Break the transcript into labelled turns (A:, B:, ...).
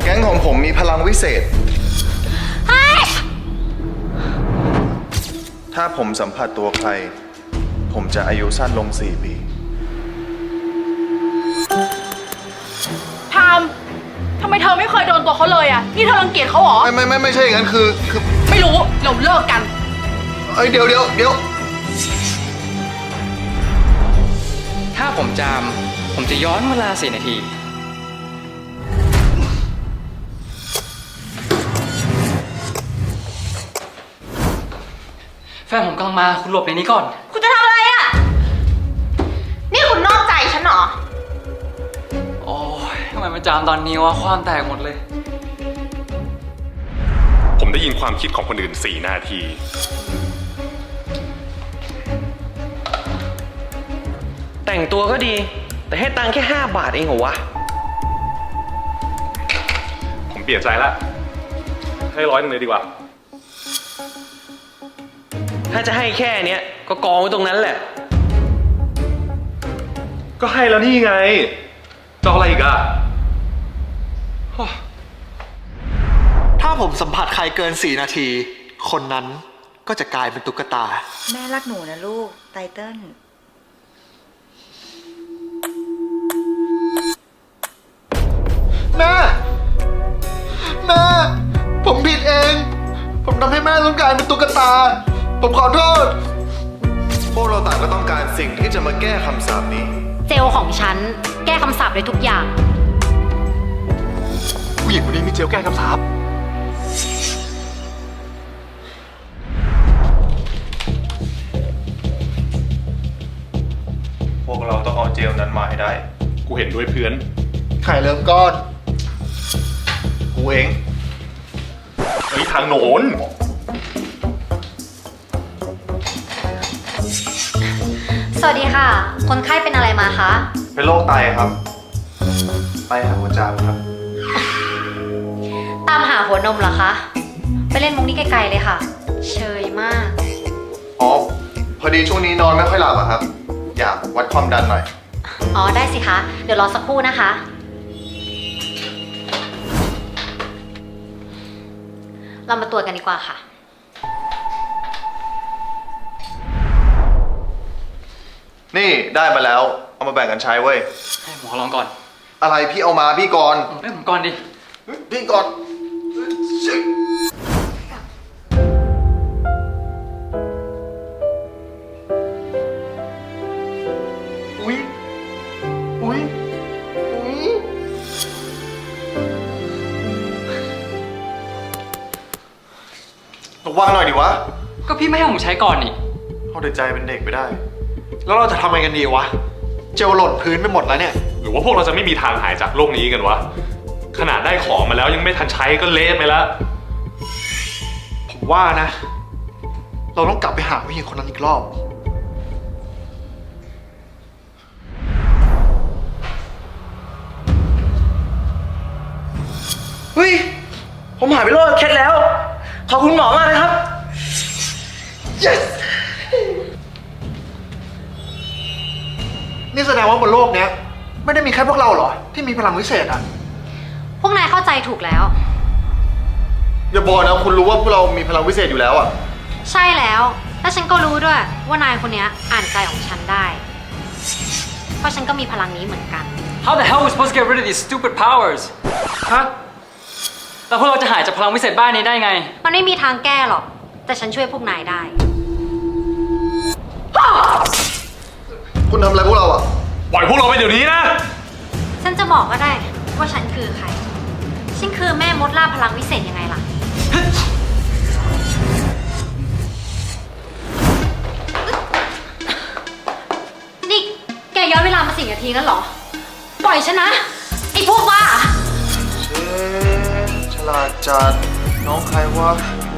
A: ก๊งของผมมีพลังวิเศษ ถ้าผมสัมผัสตัวใคร ผมจะอายุสั้นลง4 ปี
B: ทำไมเธอไม่เคยโดนตัวเขาเลยอ่ะ นี่เธอรังเกียจเขาเหรอ
A: ไม่ใช่อย่างนั้นคือ
B: ไม่รู้ เราเลิกกัน
A: เดี๋ยว
C: ถ้าผมจาม ผมจะย้อนเวลา4 นาที แฟนผมกำลังมา คุณหลบในนี้ก่อน
D: คุณจะทำอะไรอ่ะ นี่คุณนอกใจฉันเหรอ
C: โอ้ยทำไมมาจามตอนนี้วะ ความแตกหมดเลย
E: ผมได้ยินความคิดของคนอื่น4 นาที
F: แต่งตัวก็ดี แต่ให้ตังค์แค่5 บาทเองเหรอวะ
E: ผมเปลี่ยนใจละให้100 นึงเลยดีกว่า
F: ถ้าจะให้แค่เนี้ยก็กองไว้ตรงนั้นแหละ
E: ก็ให้แล้วนี่ไงจะเอาอะไรอีกอะ
G: ถ้าผมสัมผัสใครเกิน4 นาที คนนั้นก็จะกลายเป็นตุ๊กตา
D: แม่รักหนูนะลูก ไตเติ้ล
G: แม่ผมผิดเอง ผมทำให้แม่ต้องกลายเป็นตุ๊กตา ผมขอโทษ
A: พวกเราต่างก็ต้องการสิ่งที่จะมาแก้คำสาปนี้
H: เจลของฉันแก้คำสาปได้ทุกอย่าง
E: ผู้หญิงคนนี้มีเจลแก้คำสาป
A: พวกเราต้องเอาเจลนั้นมาให้ได้
E: กูเห็นด้วยเพื่อน
G: ไข่เริ่มก้อน
A: กูเอง
E: เฮ้ยทางโน้น
H: สวัสดีค่ะ คนไข้เป็นอะไรมาคะ
A: เป็นโรคไตครับ ไตหาหัวใจครับ
H: ตามหาหัวนมเหรอคะ ไปเล่นมุกนี้ไกลๆเลยค่ะ เชยมาก
A: อ๋อ พอดีช่วงนี้นอนไม่ค่อยหลับอะครับ อยากวัดความดันหน่อย
H: อ๋อได้สิคะ เดี๋ยวรอสักครู่นะคะ เรามาตรวจกันดีกว่าค่ะ
A: นี่ได้มาแล้ว เอามาแบ่งกันใช้เว้ย
C: ให้หมอลองก่อน
A: อะไรพี่เอามาพี่ก่อน
C: ให้ผมก่อนดิ
A: พี่ก่อน อุ๊ยระวังหน่อยดิวะ
C: ก็พี่ไม่ให้ผมใช้ก่อนนี่
A: เอาแต่ใจเป็นเด็กไปได้
G: แล้วเราจะทำไงกันดีวะ เจลหล่นพื้นไปหมดแล้วเนี่ย
E: หรือว่าพวกเราจะไม่มีทางหายจากโลกนี้กันวะ ขนาดได้ของมาแล้วยังไม่ทันใช้ก็เละไปแล้ว
G: ผมว่านะ เราต้องกลับไปหาผู้หญิงคนนั้นอีกรอบ
F: เฮ้ย ผมหายไปโรคเคล็ดแล้ว ขอบคุณหมอมากนะครับ yes
G: นี่แสดงว่าบนโลกเนี้ยไม่ได้มีแค่พวกเราเหรอ ที่มีพลังวิเศษอ่ะ
H: พวกนายเข้าใจถูกแล้ว
A: อย่าบอกนะคุณรู้ว่าพวกเรามีพลังวิเศษอยู่แล้วอะ
H: ใช่แล้ว และฉันก็รู้ด้วยว่านายคนนี้อ่านใจของฉันได้ เพราะฉันก็มีพลังนี้เหมือนกัน
C: How the hell are we supposed to get rid of these stupid powers ฮะแล้วพวกเราจะหายจากพลังวิเศษบ้านนี้ได้ไง
H: มันไม่มีทางแก้หรอก แต่ฉันช่วยพวกนายได้
A: คุณทำอะไรพวกเราอะ
E: ปล่อยพวกเราไปเดี๋ยวนี้นะ
H: ฉันจะบอกก็ได้ว่าฉันคือใคร ฉันคือแม่มดล่าพลังวิเศษยังไงล่ะ นี่แกย้อนเวลามา4 นาทีแล้วเหรอ ปล่อยฉันนะ ไอ้พวกบ้า
A: ฉลาดจัดน้องใครวะ